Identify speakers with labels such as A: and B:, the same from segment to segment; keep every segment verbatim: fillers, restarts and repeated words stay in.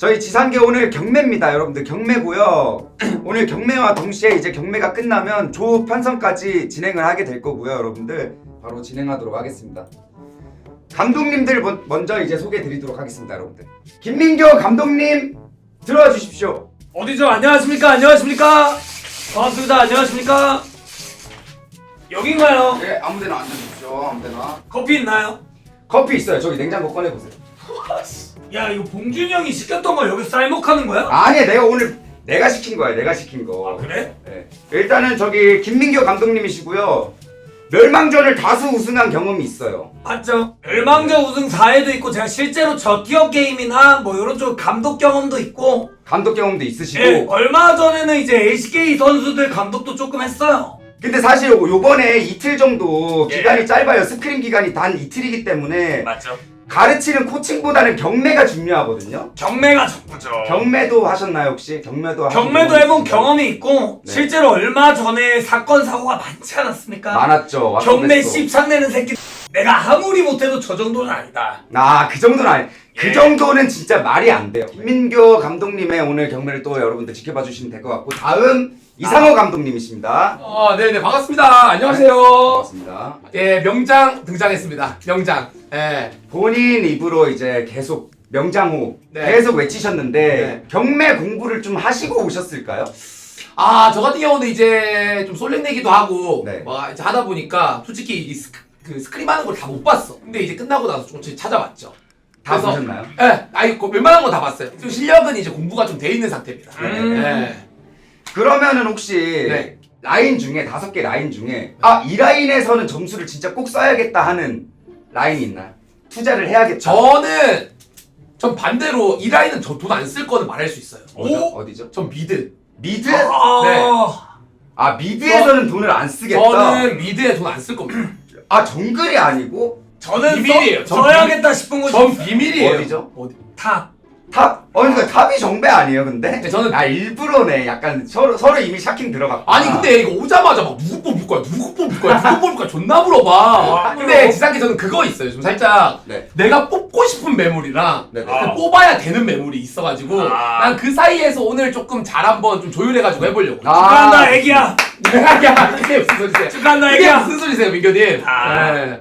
A: 저희 지상계 오늘 경매입니다, 여러분들. 경매고요. 오늘 경매와 동시에 이제 경매가 끝나면 조 편성까지 진행을 하게 될 거고요, 여러분들. 바로 진행하도록 하겠습니다. 감독님들 먼저 이제 소개드리도록 하겠습니다, 여러분들. 김민교 감독님 들어와 주십시오.
B: 어디죠? 안녕하십니까? 안녕하십니까? 반갑습니다. 안녕하십니까? 여긴가요?
A: 네, 아무데나 앉아주십시오. 아무데나.
B: 커피 있나요?
A: 커피 있어요. 저기 냉장고 꺼내보세요.
B: 야, 이거 봉준이 형이 시켰던 거 여기서 쌀먹하는 거야?
A: 아니, 내가 오늘 내가 시킨 거야. 내가 시킨 거.
B: 아, 그래?
A: 네. 일단은 저기 김민교 감독님이시고요. 멸망전을 다수 우승한 경험이 있어요.
B: 맞죠? 멸망전 우승 사 회도 있고 제가 실제로 저 기업 게임이나 뭐 이런 쪽 감독 경험도 있고
A: 감독 경험도 있으시고.
B: 예, 얼마 전에는 이제 엘씨케이 선수들 감독도 조금 했어요.
A: 근데 사실 요- 요번에 이틀 정도
B: 예.
A: 기간이 짧아요. 스크린 기간이 단 이틀이기 때문에
B: 맞죠?
A: 가르치는 코칭보다는 경매가 중요하거든요.
B: 경매가 전부죠.
A: 경매도 하셨나요 혹시? 경매도 하신
B: 경매도
A: 경험이
B: 해본
A: 있으신가요?
B: 경험이 있고
A: 네.
B: 실제로 얼마 전에 사건 사고가 많지 않았습니까?
A: 많았죠.
B: 경매
A: 왓츠베스트.
B: 씹상내는 새끼 내가 아무리 못해도 저 정도는 아니다.
A: 아, 그 정도는 아니. 그
B: 예.
A: 정도는 진짜 말이 안 돼요. 김민교 감독님의 오늘 경매를 또 여러분들 지켜봐 주시면 될 것 같고, 다음 이상호 감독님이십니다.
C: 어, 네네, 반갑습니다. 안녕하세요.
A: 반갑습니다.
C: 예, 명장 등장했습니다. 명장. 예.
A: 본인 입으로 이제 계속 명장호
C: 네.
A: 계속 외치셨는데
C: 네.
A: 경매 공부를 좀 하시고 오셨을까요?
C: 아, 저 같은 경우는 이제 좀 솔랭내기도 하고,
A: 네.
C: 뭐, 이제 하다 보니까 솔직히 이 스크, 그 스크림 하는 걸 다 못 봤어. 근데 이제 끝나고 나서 조금씩 찾아봤죠.
A: 다
C: 그래서-
A: 보셨나요?
C: 예, 아이, 그 웬만한 건 다 봤어요. 좀 실력은 이제 공부가 좀 돼 있는 상태입니다.
B: 음.
C: 예.
A: 그러면은 혹시
C: 네.
A: 라인 중에 다섯 개 라인 중에 아, 이 라인에서는 점수를 진짜 꼭 써야겠다 하는 라인이 있나요? 투자를 해야겠다.
C: 저는, 전 반대로 이 라인은 저 돈 안 쓸 거는 말할 수 있어요.
A: 어디죠?
C: 오!
A: 어디죠?
C: 전 미드.
A: 미드?
B: 아,
A: 아, 미드에서는 돈을 안 쓰겠다.
C: 저는 미드에 돈 안 쓸 겁니다.
A: 아, 정글이 아니고
B: 저는
C: 비밀이에요.
B: 써,
C: 전
B: 써야겠다 싶은 곳이
C: 전 비밀이에요.
A: 어디죠?
C: 어디?
B: 탑.
A: 탑? 어, 그러니까 탑이 정배 아니에요, 근데?
C: 네, 저는-
A: 아, 일부러네. 약간 서로 서로 이미 샤킹 들어갔고.
C: 아니 근데 이거 오자마자 막 누구 뽑을 거야 누구 뽑을 거야 누구 뽑을 거야 존나 물어봐.
B: 아,
C: 근데
B: 그럼.
C: 지상기 저는 그거 있어요. 좀 살짝
A: 네.
C: 내가 뽑고 싶은 매물이랑
A: 네.
B: 아.
C: 뽑아야 되는 매물이 있어가지고
B: 아.
C: 난 그 사이에서 오늘 조금 잘 한번 좀 조율해가지고 해보려고.
A: 아.
B: 축하한다 애기야.
C: 야 그게 무슨 소리세요?
B: 축하한다
C: 그게
B: 애기야.
C: 무슨 소리세요 민교님?
B: 아.
C: 네.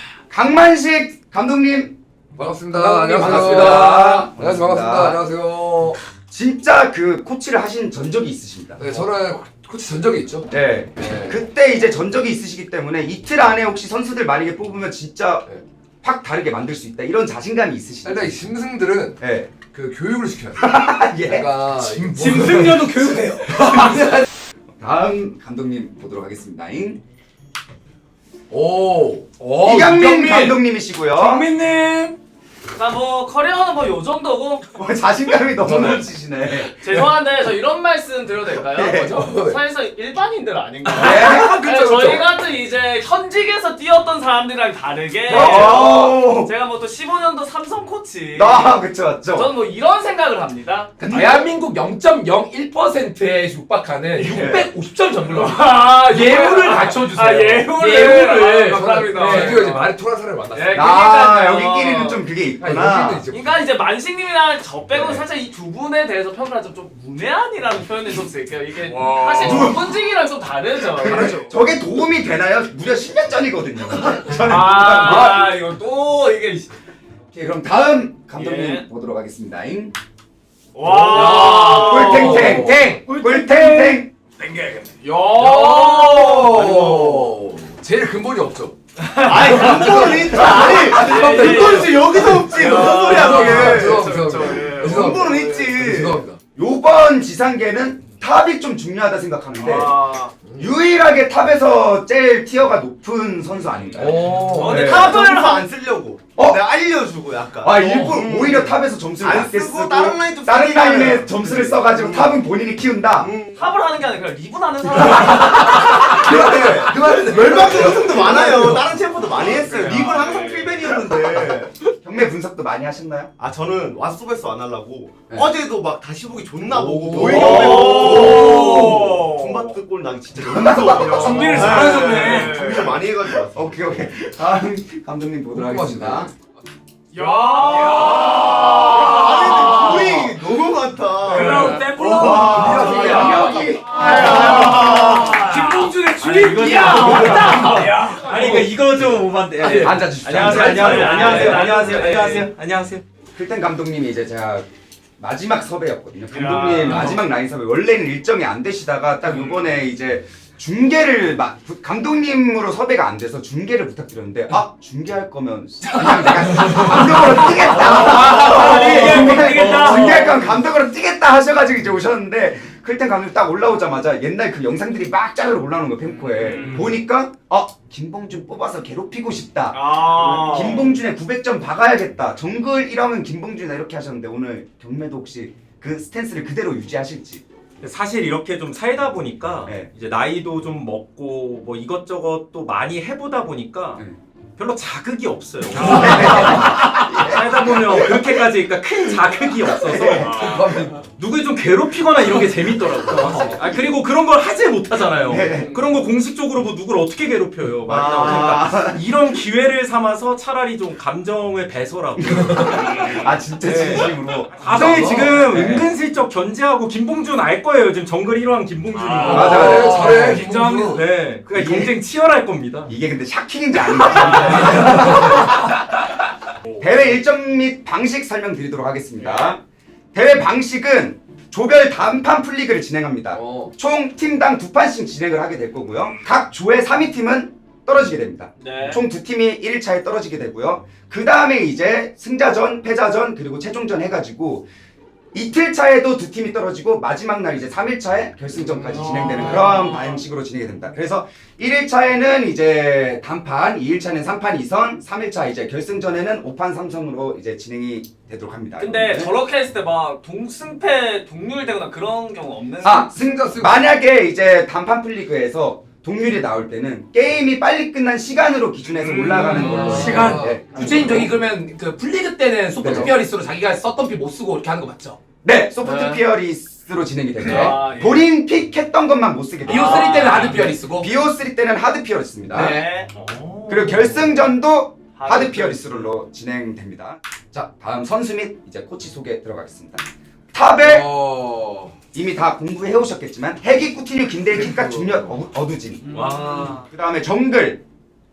A: 강만식 감독님
D: 반갑습니다.
C: 감독님,
D: 안녕하세요.
C: 반갑습니다.
D: 안녕하세요. 반갑습니다. 안녕하세요.
A: 진짜 그 코치를 하신 전적이 있으십니다.
D: 네, 저는 코치 전적이 있죠.
A: 네.
D: 네.
A: 그때 이제 전적이 있으시기 때문에 이틀 안에 혹시 선수들 만약에 뽑으면 진짜
D: 네.
A: 확 다르게 만들 수 있다. 이런 자신감이 있으시죠?
D: 일단 이 짐승들은
A: 네.
D: 그 교육을 시켜야 돼.
A: 예.
D: 내가
B: 짐승녀도 교육해요.
A: 다음 감독님 보도록 하겠습니다. 잉?
C: 오. 오.
A: 이경민 감독님이시고요.
B: 정민님.
E: 나 뭐 커리어는 뭐 요 정도고
A: 어, 자신감이 너무 넘치시네.
E: 죄송한데 저 이런 말씀 드려도 될까요?
A: 네.
E: 저 사실상 일반인들 아닌가요?
A: 네.
E: 네, 저희 같은 이제 현직에서 뛰었던 사람들이랑 다르게
A: 오.
E: 제가 뭐 또 십오 년도 삼성 코치
A: 아, 그쵸, 맞죠.
E: 저는 뭐 이런 생각을 합니다.
C: 그 대한민국 영 점 영일 퍼센트에 육박하는 육백오십 점 정글러.
E: 아
C: 예우를 갖춰주세요.
E: 아 예우를.
C: 예우를.
E: 아, 감사합니다.
C: 네.
D: 드디어 이제 말이 통한 사람을 만났어요.
E: 네,
A: 아,
E: 그러니까요.
A: 여기끼리는 좀 그게
D: 아,
A: 있구나.
D: 여기는 이제
E: 그러니까 이제 만식님이랑 저 빼고는
A: 네.
E: 살짝 이 두 분에 대해서 평가를 좀, 좀 문외한이라는 표현을 좀 쓸게요. 이게
B: 와.
E: 사실 전문직이랑 좀 다르죠.
A: 그렇죠. 저게 도움이 되나요? 무려 십 년 전이거든요. 근데. 저는
E: 아, 아 이거 또 이게
A: 오케이, 그럼 다음 감독님
E: 예.
A: 보도록 하겠습니다. 잉?
E: 와
A: 꿀탱탱 탱! 꿀탱탱!
B: 땡겨야겠네.
E: 야.
D: 오. 제일 근본이 없죠.
A: 아니, 근본은 있죠. 아니, 근본은 있지. 여기도 없지. 무슨 소리야,
D: 죄송합니다.
A: 그게.
D: 죄송합니다.
A: 근본은 있지.
D: 네, 죄송합니다.
A: 요번 지상계는 탑이 좀 중요하다 생각하는데
E: 아.
A: 유일하게 탑에서 제일 티어가 높은 선수 아닌가요?
D: 오.
A: 네.
F: 탑을 안 쓰려고.
A: 어?
F: 내가 알려주고 약간.
A: 아, 일부러
F: 음.
A: 오히려 탑에서 점수를
F: 안
A: 낮게
F: 쓰고
A: 쓰고
F: 다른 라인 좀
A: 다른
F: 쓰니까는.
A: 라인에 점수를 써가지고 탑은 본인이 키운다.
F: 음.
E: 탑을 하는 게 아니라 그냥 리븐하는 사람.
F: 그래.
D: 그만해.
F: 멸망전 우승도 많아요. 다른 챔프도 많이 했어요. 립은 항상 필벤이었는데.
A: 경매 분석도 많이 하셨나요?
F: 아 저는 왓소베스 안 하려고
A: 네.
F: 어제도 막 다시 보기 존나 보고
A: 오.
F: 보이게
E: 오.
F: 중바트 골 나기 진짜 너무 무서워요.
B: 준비를
F: 네.
B: 잘하셨네.
F: 준비를 많이 해가지고 왔어.
A: 오케이 오케이. 다음 감독님 보도록 하겠습니다.
B: 야.
F: 아니 근데 거의 너무
C: 이거 야 왔다.
G: 아니 그러니까 이거 좀 오반데.
A: 아, 예. 앉아주십시오.
G: 안녕하세요.
A: 앉아주십시오.
G: 안녕하세요. 안녕하세요.
E: 네,
G: 안녕하세요.
E: 네,
G: 안녕하세요.
E: 네.
G: 안녕하세요.
A: 필텐 감독님이 이제 제가 마지막 섭외였거든요. 감독님
E: 야.
A: 마지막 라인 섭외. 원래는 일정이 안 되시다가 딱 요번에 이제 중계를 마, 부- 감독님으로 섭외가 안 돼서 중계를 부탁드렸는데 아 중계할 거면 그냥 내가 감독으로 뛰겠다.
E: 중계할 뛰겠다.
A: 중계할 거면 감독으로 뛰겠다 하셔가지고 이제 오셨는데 클텐 감독님 딱 올라오자마자 옛날 그 영상들이 막 짜르르 올라오는 거 펜코에 보니까 아 김봉준 뽑아서 괴롭히고 싶다.
E: 아.
A: 김봉준의 구백 점 박아야겠다. 정글 일 왕은 김봉준이다 이렇게 하셨는데 오늘 경매도 혹시 그 스탠스를 그대로 유지하실지.
G: 사실 이렇게 좀 살다 보니까
A: 네.
G: 이제 나이도 좀 먹고 뭐 이것저것 또 많이 해보다 보니까
A: 네.
G: 별로 자극이 없어요. 살다 보면 그렇게까지 그러니까 큰 자극이 없어서 누굴 좀 괴롭히거나 이런 게 재밌더라고요. 확실히. 아 그리고 그런 걸 하지 못하잖아요.
A: 네.
G: 그런 거 공식적으로 뭐 누굴 어떻게 괴롭혀요. 많이
A: 아.
G: 나오니까 이런 기회를 삼아서 차라리 좀 감정을 배설하고
A: 아 진짜 진심으로.
G: 다들 지금
A: 네.
G: 은근슬쩍 견제하고 김봉준 알 거예요. 지금 정글 일 왕 김봉준이고.
E: 아,
A: 맞아,
D: 그래,
A: 맞아.
D: 잘해.
G: 긴장합니다.
D: 김봉준.
G: 네. 그러니까
A: 이게-
G: 경쟁 치열할 겁니다.
A: 이게 근데 샤킹인지 아닌지. 대회 일정 및 방식 설명드리도록 하겠습니다. 대회 방식은 조별 단판 풀리그를 진행합니다.
D: 어.
A: 총 팀당 두 판씩 진행을 하게 될 거고요. 각 조의 삼 위 팀은 떨어지게 됩니다.
E: 네.
A: 총 두 팀이 일 일차에 떨어지게 되고요. 그 다음에 이제 승자전, 패자전, 그리고 최종전 해가지고 이틀 차에도 두 팀이 떨어지고 마지막 날 이제 삼 일차에 결승전까지 진행되는 그런 방식으로 진행이 됩니다. 그래서 일 일차에는 이제 단판, 이 일차는 삼 판 이 선, 삼 일차 이제 결승전에는 오 판 삼 선으로 이제 진행이 되도록 합니다.
E: 근데
A: 여러분들.
E: 저렇게 했을 때 막 동승패 동률되거나 그런 경우 없는.
A: 아,
D: 승자 승.
A: 만약에 이제 단판 플리그에서 동률이 나올 때는 게임이 빨리 끝난 시간으로 기준해서 올라가는 걸로
C: 시간?
A: 네.
C: 구체적인 저기 그러면 그 플리그 때는 소프트
A: 네.
C: 피어리스로 자기가 썼던 피 못 쓰고 이렇게 하는 거 맞죠?
A: 네, 소프트
C: 네.
A: 피어리스로 진행이 되고요.
E: 아, 예.
A: 본인 픽했던 것만 못 쓰게 돼요.
C: 비오 쓰리 때는 하드 피어리스고.
A: 비오쓰리 때는 하드 피어리스입니다.
E: 네.
A: 그리고 결승전도
E: 하드
A: 하드 피어리스로 진행됩니다. 자, 다음 선수 및 이제 코치 소개 들어가겠습니다. 탑에
D: 어.
A: 이미 다 공부해 오셨겠지만 해기 꾸티뉴 김대일 킥과 중력 어- 어두진.
G: 와.
A: 그 다음에 정글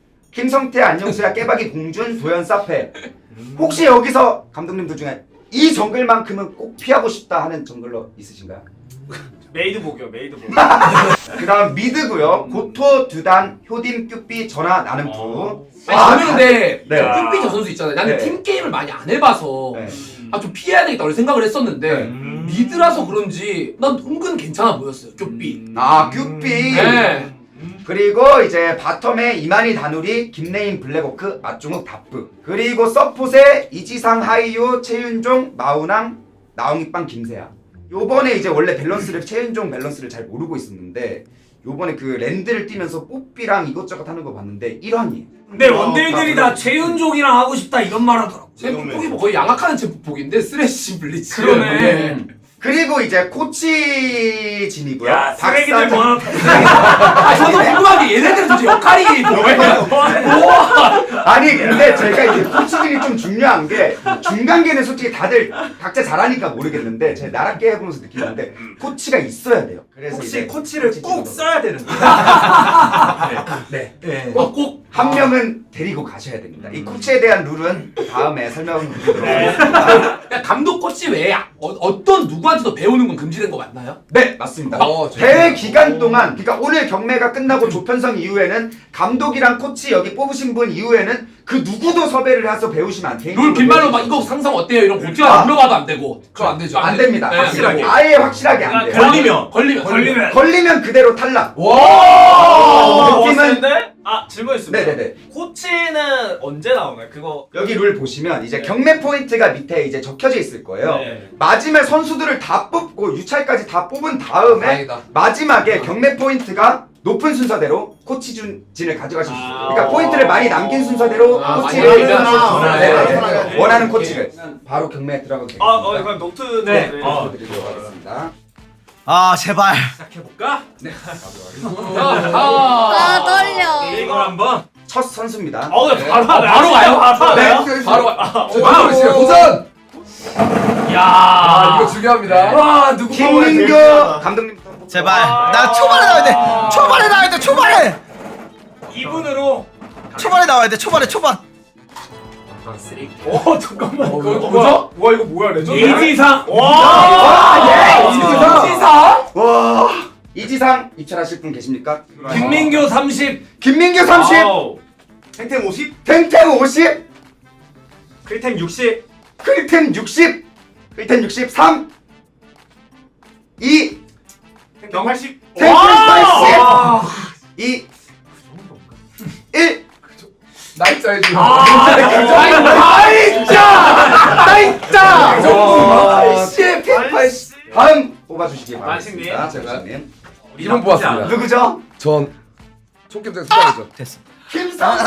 A: 김성태 안녕수야 깨박이 봉준 도현 사페. 혹시 여기서 감독님들 중에 이 정글만큼은 꼭 피하고 싶다 하는 정글러 있으신가요?
E: 메이드복이요, 메이드복.
A: 그 다음 미드고요. 고토, 두단, 효딤, 큐삐, 전하, 나는부.
E: 어.
C: 아니 저는 근데
A: 네.
C: 큐피 저 선수 있잖아요. 나는
A: 네.
C: 팀 게임을 많이 안 해봐서
A: 네.
C: 아 좀 피해야 되겠다 이런 생각을 했었는데
G: 음.
C: 미드라서 그런지 난 은근 괜찮아 보였어요. 큐피.
A: 아, 큐삐.
C: 네.
A: 그리고 이제 바텀에 이만희 다누리, 김레인 블랙워크, 맞종욱 다프. 그리고 서폿에 이지상 하이유, 최윤종, 마우낭, 나옹이빵 김세아. 요번에 이제 원래 밸런스를 최윤종 밸런스를 잘 모르고 있었는데 요번에 그 랜드를 뛰면서 뽀삐랑 이것저것 하는 거 봤는데 일환이에요.
B: 근데 원딜들이 다 최윤종이랑 하고 싶다 이런 말 하더라고.
C: 챔프폭이 뭐 거의 양악하는 챔프폭인데 쓰레쉬 블리츠.
B: 그러네.
A: 그리고 이제 코치진이고요.
B: 야 쓰레기들
A: 박사장-
C: 아 저도 궁금한 게 얘네들은 도대체 역할이 뭐예요?
A: 아니 근데 제가 이제 코치진이 좀 중요한 게 중간계는 솔직히 다들 각자 잘하니까 모르겠는데 제가 나락계 해보면서 느끼는데 코치가 있어야 돼요. 그래서
G: 혹시
A: 이제
G: 코치를
A: 코치
G: 꼭
A: 진으로.
G: 써야 되는 거예요?
A: 네.
G: 네.
C: 꼭 꼭.
A: 한 명은 데리고 가셔야 됩니다. 이 코치에 대한 룰은 다음에 설명드리도록 하겠습니다.
C: 그냥 감독 코치 외에 어, 어떤 누구한테도 배우는 건 금지된 거 맞나요?
A: 네, 맞습니다.
D: 어,
A: 대회 기간 동안, 그러니까 오늘 경매가 끝나고 조편성 이후에는 감독이랑 코치 여기 뽑으신 분 이후에는 그 누구도 섭외를 해서 배우시면 안 돼요.
C: 룰 빈말로 막 이거 상상 어때요? 이런 거 고티한테
A: 아.
C: 물어봐도 안 되고.
D: 그거 안 되죠.
A: 안 됩니다.
C: 네,
G: 확실하게.
A: 아예 확실하게 안 돼요.
G: 걸리면.
C: 걸리면
B: 걸리면
A: 걸리면 그대로 탈락.
E: 어,
A: 느낌은-
E: 왔는데? 아, 질문 있습니다.
A: 네네네.
E: 코치는 언제 나오나요? 그거.
A: 여기 룰 보시면 이제
E: 네.
A: 경매 포인트가 밑에 이제 적혀져 있을 거예요.
E: 네.
A: 마지막 선수들을 다 뽑고 유찰까지 다 뽑은 다음에
D: 다행이다.
A: 마지막에 경매 포인트가 높은 순서대로 코치진을 가져가실 수 있어요.
E: 아.
A: 그러니까 포인트를 많이 남긴 순서대로
C: 아,
A: 코치를
C: 많이
A: 네,
C: 남겼구나.
A: 네, 네.
D: 네.
A: 원하는 코치를 바로 경매에 들어가도 되겠습니다.
E: 아, 어, 그럼 노트.
G: 네.
E: 네.
G: 어.
A: 드리도록 하겠습니다.
H: 아 제발.
G: 시작해볼까?
C: 아,
I: 아 떨려.
G: 이걸 한번.
A: 첫 선수입니다.
E: 어, 네, 바로,
C: 어, 바로 가요?
E: 바로
A: 네.
E: 가요?
C: 바로 가.
D: 도전 시간 도전.
C: 야.
D: 아 이거 중요합니다.
B: 와 누구
A: 김민규 감독님.
H: 제발. 나 초반에 나와야 돼. 초반에 나와야 돼. 초반에.
B: 이 분으로
H: 초반에 나와야 돼. 초반에 초반.
B: 어 잠깐만
C: 어, 이거 뭐죠?
D: 와 이거 뭐야 레전드.
B: 이지상
A: 와,
C: 이지상.
A: 와 이지상 입찰하실 분 계십니까?
B: 김민규 삼십
A: 김민규 삼십,
F: 탱탱 오십.
A: 탱탱 오십,
G: 크리템 육십.
A: 클템 육십, 클템 육십, 삼, 이,
F: 탱탱 팔십.
A: 탱탱 팔십, 이, 일.
D: 나이자 해줘.
C: 나이자.
A: 팔십, 팔십. 다음 뽑아주시기
E: 만식님.
A: 바랍니다.
D: 제가.
A: 만식님.
D: 이름 보았습니다.
A: 누구죠?
D: 전 총김장 수장이죠.
H: 됐어.
A: 김상수.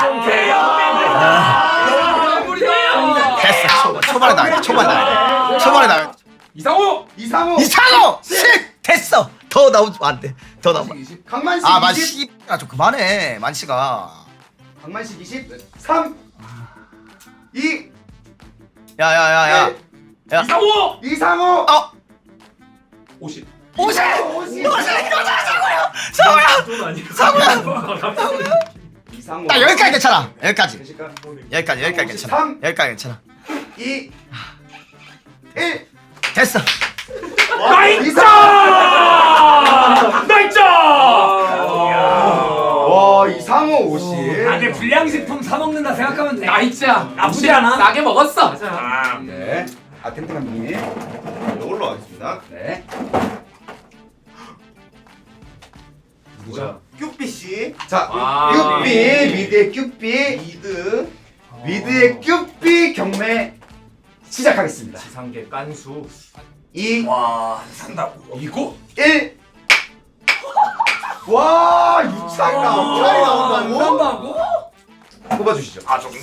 H: 됐어. 초반, 초반에 나와야 돼. 초반에 나와야 돼. 초반에 나와야 돼.
C: 이상호.
A: 이상호.
H: 이상호! 십! 됐어. 더 나오면 안 돼. 더 나오면.
D: 이십.
A: 강만식
H: 아,
A: 이십.
H: 만씨. 아, 좀 그만해. 만씨가.
A: 강만식 이십. 삼, 이,
H: 야, 야, 야, 야. 야.
C: 이상호.
A: 이상호.
H: 어.
C: 오십.
H: 오십!
A: 오십.
G: 돈 아니야.
A: 이상호.
H: 나 여기까지 괜찮아. 여기까지.
A: 계실까?
H: 여기까지, 여기까지 괜찮아.
A: 삼.
H: 여기까지 괜찮아.
A: 이, 일.
H: 됐어.
A: 이상.
C: 나이자.
A: 와 이상호 오십.
B: 아 근데 불량식품 사 먹는다 생각하면 돼.
C: 나이자.
B: 나쁘지 않아.
C: 싸게 먹었어.
A: 네. 아 탱탱한 분이.
F: 이걸로 하겠습니다.
A: 네. 누구죠?
F: 큐비 씨.
A: 자,
C: 아.
A: 큐비 미드의 큐비
F: 미드.
A: 미드의 큐비 경매 시작하겠습니다.
G: 지상계 깐수.
A: 이,
B: 와 산다고.
C: 이거?
A: 일. 와 유차이
B: 아,
A: 나 유차이 나온다고?
B: 산다고?
A: 뽑아주시죠.
B: 아 정말?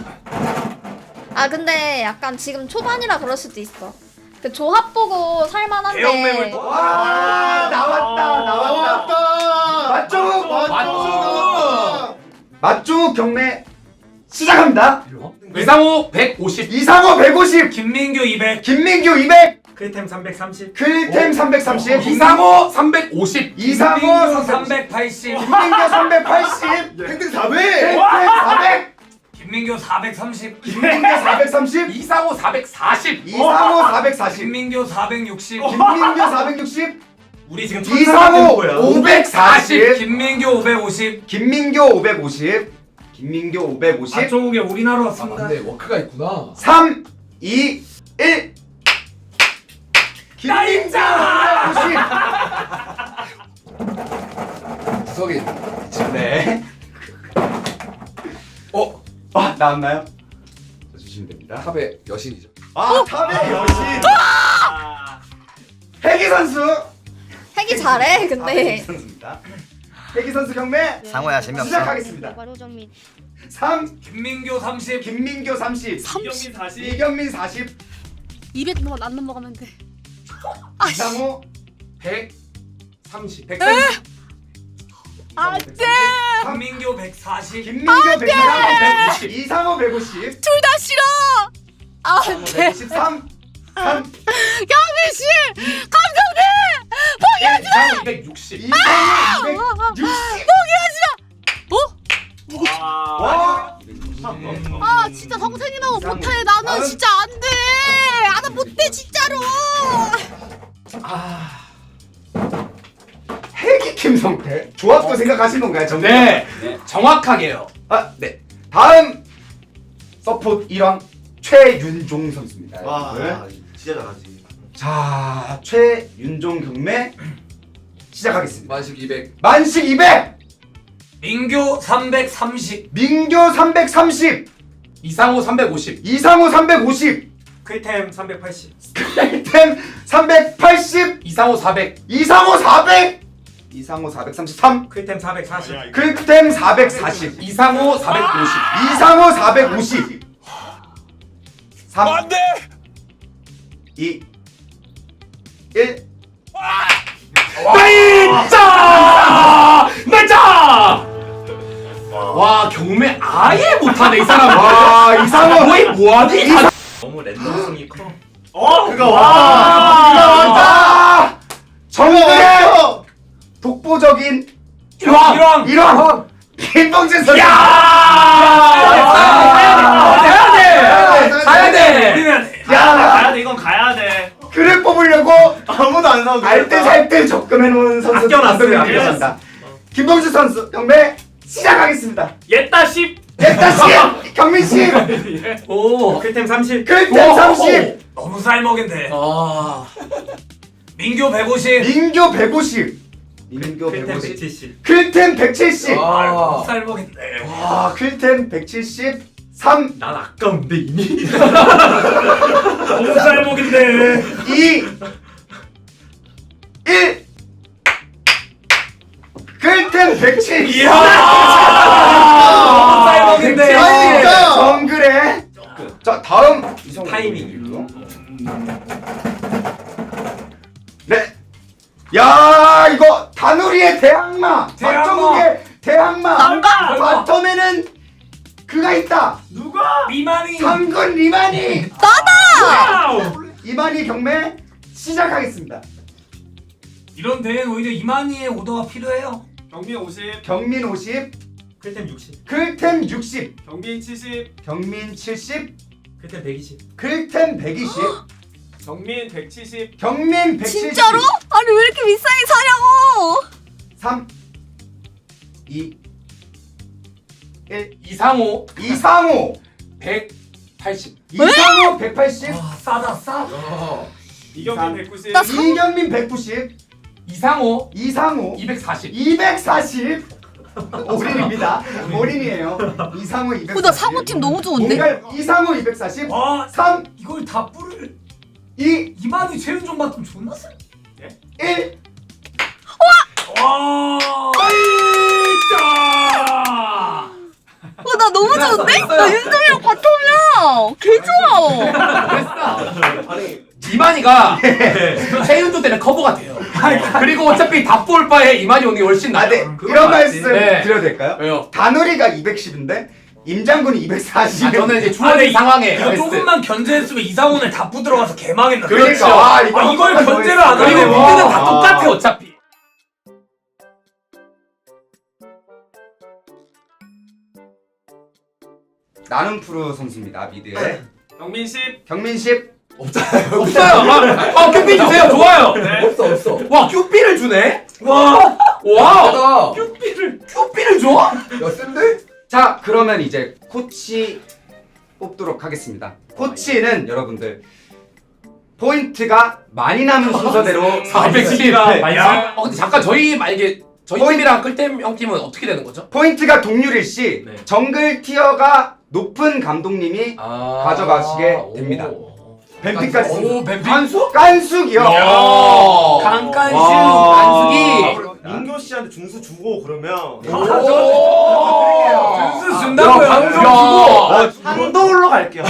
I: 아 근데 약간 지금 초반이라 그럴 수도 있어. 그 조합 보고 살만한데.
B: 대형매물 또-
A: 와 나왔다 나왔다. 맞죠?
F: 맞죠.
A: 맞죠 경매 시작합니다.
C: 이상호 백오십.
A: 이상호 백오십,
B: 김민규 이백.
A: 김민규 이백,
G: 크리템 삼백삼십.
A: 클템 삼백삼십,
C: 이상호 삼백오십.
A: 이상호
B: 김민규
A: 삼백오십,
B: 삼백팔십.
A: 김민규 삼백팔십,
F: 탱탱 사백.
A: 클템 사백,
B: 김민규 사백삼십.
A: 김민규 사백삼십,
C: 이상호 사백사십.
A: 이상호 사백사십,
B: 김민규 사백육십.
A: 김민규 사백육십,
G: 우리 지금
A: 이상호
G: 거야.
A: 오백사십,
B: 김민규 오백오십.
A: 김민규 오백오십, 김민규 오백오십,
B: 안쪽에 우리나라
D: 아
B: 왔습니다.
D: 맞네 워크가 있구나.
A: 삼, 이, 일. 김민규 오백오십.
D: 구석에
A: 네.
D: 어
A: 아 나왔나요? 자, 주시면 됩니다.
D: 탑의 여신이죠.
A: 아 탑의 여신. 해기 선수.
I: 핵이 잘해
A: 아, 해기
I: 근데.
A: 선수입니다. 해기 선수 경매
H: 상호야 재미없어.
A: 시작하겠습니다. 삼,
B: 김민규 삼십.
A: 김민규 삼십,
E: 이경민 사십.
A: 이경민 사십,
J: 이백만 안 넘어가면 돼.
A: 이상호
C: 백삼십.
A: 백삼십,
J: 안 돼.
B: 김민규 백사십.
A: 김민규 백사십, 이상호 백오십,
J: 둘 다 싫어. 안 돼.
A: 백오십삼, 삼,
J: 경민 씨, 감독님, 포기하지
C: 이상호 이백육십.
A: 이상호 이백육십.
J: 포기하지 마. 어?
A: 와.
J: 아 진짜 성생이라고
A: 이상호.
J: 못해. 나는
A: 다음.
J: 진짜 안 돼. 아 나 못해 진짜로.
C: 아.
A: 해기 김성태 조합도 생각하신 건가요? 정말?
C: 네. 정확하게요.
A: 아, 네. 다음 서포트 일왕 최윤종 선수입니다.
F: 와
A: 여러분들.
F: 진짜 잘하지.
A: 자, 최윤종 경매 시작하겠습니다.
D: 만식 이백.
A: 만식 이백,
B: 민규 삼백삼십.
A: 민규 삼백삼십,
C: 이상호 삼백오십.
A: 이상호 삼백오십,
G: 크리템 삼백팔십.
A: 템 삼백팔십,
C: 이상호 사백.
A: 이상호 사백, 이상호 사백삼십삼,
G: 크리템 사백사십.
A: 클템 사백사십,
C: 이상호 사백오십.
A: 이상호 사백오십. 삼,
B: 안돼.
A: 이, 일.
C: 나이자! 나이자! 와 경매 아예 못하네 이 사람.
A: 와, 이상호
C: 거의 뭐하니?
G: 너무 랜덤성이 커.
F: 어 그가
A: 와,
F: 왔다.
A: 정글의 독보적인
C: 일왕!
A: 일왕 김봉준 선수.
C: 가야 돼. 가야 돼.
B: 우리는
A: 야,
E: 가야 돼 이건 가야 돼.
A: 그를 뽑으려고
F: 아무도 안 사고
A: 알뜰살뜰 적금해놓은 선수
G: 아껴놨어요,
A: 감독님이 계십니다. 김봉준 선수 경매 시작하겠습니다.
E: 옛다 십.
A: 됐다 씨, 경민 씨,
G: 오 클템 삼십.
A: 글템 삼십,
B: 너무 쌀먹인데.
C: 아.
B: 민규 백오십.
A: 민교 백오십, 민교
G: 클템
A: 백오십,
G: 백칠십.
A: 글템 백칠십.
B: 너무
D: 아.
B: 쌀먹인데.
A: 와, 글템 백칠십삼,
G: 난 아까운데 이미.
B: 너무 쌀먹인데.
A: 이, 일. 글템 백칠십.
B: 너무 쌀먹인데.
A: 그러니까 정글에. 자, 다음 이성훈
G: 타이밍.
A: 네. 야, 이거 다누리의 대항마,
B: 대항마.
A: 박정욱의 대항마.
J: 난가?
A: 바텀에는 그가 있다.
E: 누가?
B: 미만이.
A: 상근 리만이.
J: 나다.
A: 이만희 경매 시작하겠습니다.
B: 이런 대회는 오히려 이만희의 오더가 필요해요.
E: 경민 오십.
A: 경민 오십,
G: 클템 육십.
A: 글템 육십,
E: 경민 칠십.
A: 경민 칠십,
G: 클템 백이십.
A: 글템 백이십,
E: 경민 백칠십.
A: 경민 백칠십.
J: 진짜로? 아니 왜 이렇게 비싸게 사냐고.
A: 삼, 이, 일.
C: 이상호
A: 이상호,
C: 백팔십.
A: 이상호 백팔십,
B: 와 싸다 싸.
E: 이경민 백구십.
J: 나 상-
A: 이경민 백구십,
C: 이상호
A: 이상호
C: 이백사십.
A: 이백사십. 올인입니다. 올인이에요. 이상호 이백사십.
J: 어, 나 상호팀 너무 좋은데?
A: 뭔가 이상호 이백사십.
B: 와
A: 삼,
B: 이걸 다 뿔을.
A: 이,
B: 이만희 최윤종 맡으면 존나 쎄.
A: 일.
B: 와. 진짜.
J: 어, 나 너무 좋은데? 나 윤정이랑 바텀이야. 개 좋아.
C: 이만희가 최윤조 때는 커버가 돼요. 그리고 어차피 답볼 바에 이만희 오는 게 훨씬
A: 아,
C: 나아요.
A: 네.
G: 그건
A: 이런
G: 맞지.
A: 말씀
C: 네.
A: 드려도 될까요?
C: 왜요?
A: 다누리가 이백십인데 임장군이 이백사십.
C: 아, 저는 이제
B: 아,
C: 주어진
B: 근데
C: 상황에
B: 이거
C: 베스트.
B: 조금만 견제했으면 이상훈을 다 부들어가서 개망했나.
A: 그러니까
C: 그렇죠.
A: 아,
B: 아, 이걸
A: 한번만 더
B: 견제를
A: 했어요.
B: 안 하네.
C: 그리고
B: 와.
C: 미드는 다 똑같아 어차피.
A: 나눔 프로 선수입니다. 미드에
E: 경민 십.
A: 경민 십.
C: 없어요. 아, 아 큐피 주세요. 좋아요.
D: 없어 없어.
C: 와 큐피를 주네.
B: 와.
C: 와.
D: 대다.
C: 큐피를 큐피를 줘?
D: 야 센데?
A: 자, 그러면 이제 코치 뽑도록 하겠습니다. 코치는 여러분들 포인트가 많이 남은 순서대로
C: 사백십.
B: 야.
C: 어 근데 잠깐 저희 만약에 저희
A: 포인트-
C: 팀이랑 끌템 형 팀은 어떻게 되는 거죠?
A: 포인트가 동률일 시
G: 네.
A: 정글 티어가 높은 감독님이
C: 아.
A: 가져가시게 됩니다.
C: 오.
A: 뱀픽까지
C: 오 뱀픽.
A: 깐수? 깐숙이요.
C: 야.
B: 깐깐슈.
A: 와.
C: 간수기.
F: 민교 씨한테 중수 주고 그러면
B: 준수 준다고요.
C: 방송
A: 아,
C: 주고.
F: 한도울로 갈게요.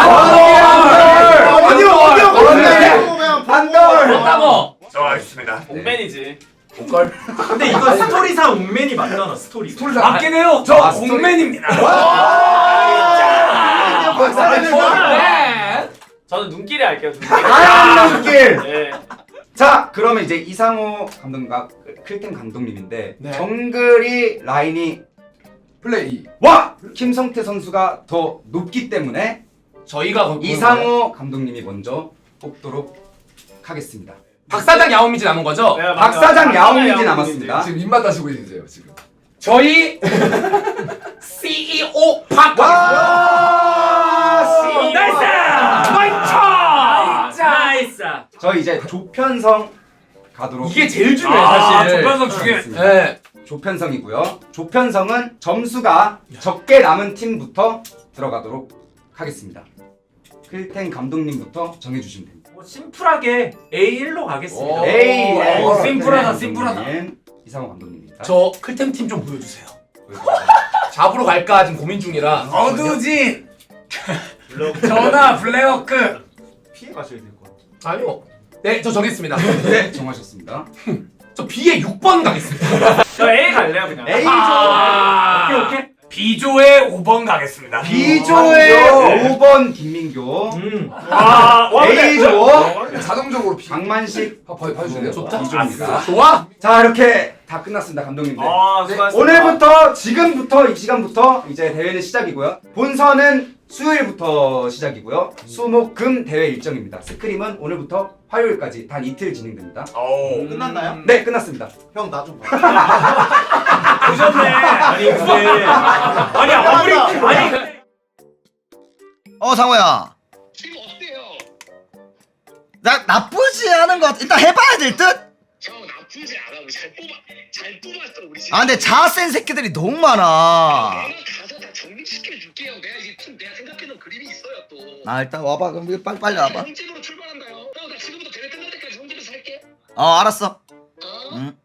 A: 어디요 어디요 어디요 반돌.
C: 한다고.
E: 옥맨이지.
C: 옷걸.
G: 근데 이거 스토리상 옥맨이 맞잖아 스토리.
B: 맞긴 해요. 저
A: 아, 스토리.
B: 공맨입니다.
C: 네.
E: 저는 눈길이 할게요. 눈길이.
A: 아양길.
E: 네.
A: 자, 그러면 이제 이상호 감독과 클템 감독님인데
C: 네.
A: 정글이 라인이
D: 플레이.
A: 와 김성태 선수가 더 높기 때문에
C: 저희가 거기
A: 이상호 감독님이 먼저 뽑도록 하겠습니다.
C: 박사장 야오미지 남은 거죠?
E: 네, 맞아요.
A: 박사장 야옹민지
E: 야옹민지.
A: 남았습니다.
D: 지금 입맛 다시고 있으세요 지금.
C: 저희 씨이오 박.
A: 와, 씨.
B: 나이스. 나이스.
G: 나이스.
A: 저 이제 조편성 가도록.
C: 이게 제일 중요해
B: 아,
C: 사실.
B: 조편성 중요해.
C: 네.
A: 조편성이고요. 조편성은 점수가 적게 남은 팀부터 들어가도록 하겠습니다. 클텐 감독님부터 정해주시면 됩니다.
G: 뭐 심플하게 에이 일로 가겠습니다.
C: 오.
A: 에이, 에이,
C: 오,
B: 심플하다,
A: 클텐
B: 심플하다.
A: 감독님, 이상호 감독님입니다.
C: 저 클템 팀 좀 보여주세요. 잡으러 갈까 지금 고민 중이라.
B: 어두진. 전화 블랙워크.
F: 피해 가셔야 될 것 같아요.
C: 아니요. 네, 저 정했습니다.
A: 네, 정하셨습니다.
C: 저 B에 육 번 가겠습니다.
E: 저 A 갈래요 그냥.
A: 에이,
C: 아.
E: 오케이 오케이.
B: B조의 오 번 가겠습니다.
A: B조의 오 번 김민교,
G: 음.
E: 와, 와, 근데-
A: A조
D: 자동적으로 피.
A: 강만식
D: 봐, 봐, 봐주실래요?
C: 좋다.
A: B조입니다.
C: 좋아.
A: 자 이렇게 다 끝났습니다 감독님들.
E: 아, 수고하셨습니다.
A: 오늘부터 지금부터 이 시간부터 이제 대회는 시작이고요. 본선은 수요일부터 시작이고요. 수목금 대회 일정입니다. 스크림은 오늘부터 화요일까지 단 이틀 진행됩니다.
B: 오.
F: 끝났나요?
A: 네 끝났습니다.
F: 형 나 좀 봐.
E: 보셨네.
G: 아니 근데
E: 아니 아무리 아니
H: 어 상호야
K: 지금 어때요?
H: 나 나쁘지 않은 것 같아. 일단 해봐야 될 듯?
K: 형 나쁘지 않아. 우리 잘 뽑아 잘 뽑았어 우리.
H: 아 근데 자센 새끼들이 너무 많아.
K: 내가 가서 다 정리시켜 줄게요. 내가 이제 팀 내가 생각해놓은 그림이 있어요 또.
H: 아 일단 와봐. 그럼 이거 빨리 빨리 와봐.
K: 형집으로 출발한다요. 형 나 지금부터 대회 끝날 때까지 형집에서 살게.
H: 어 알았어.
K: 어?
H: 응.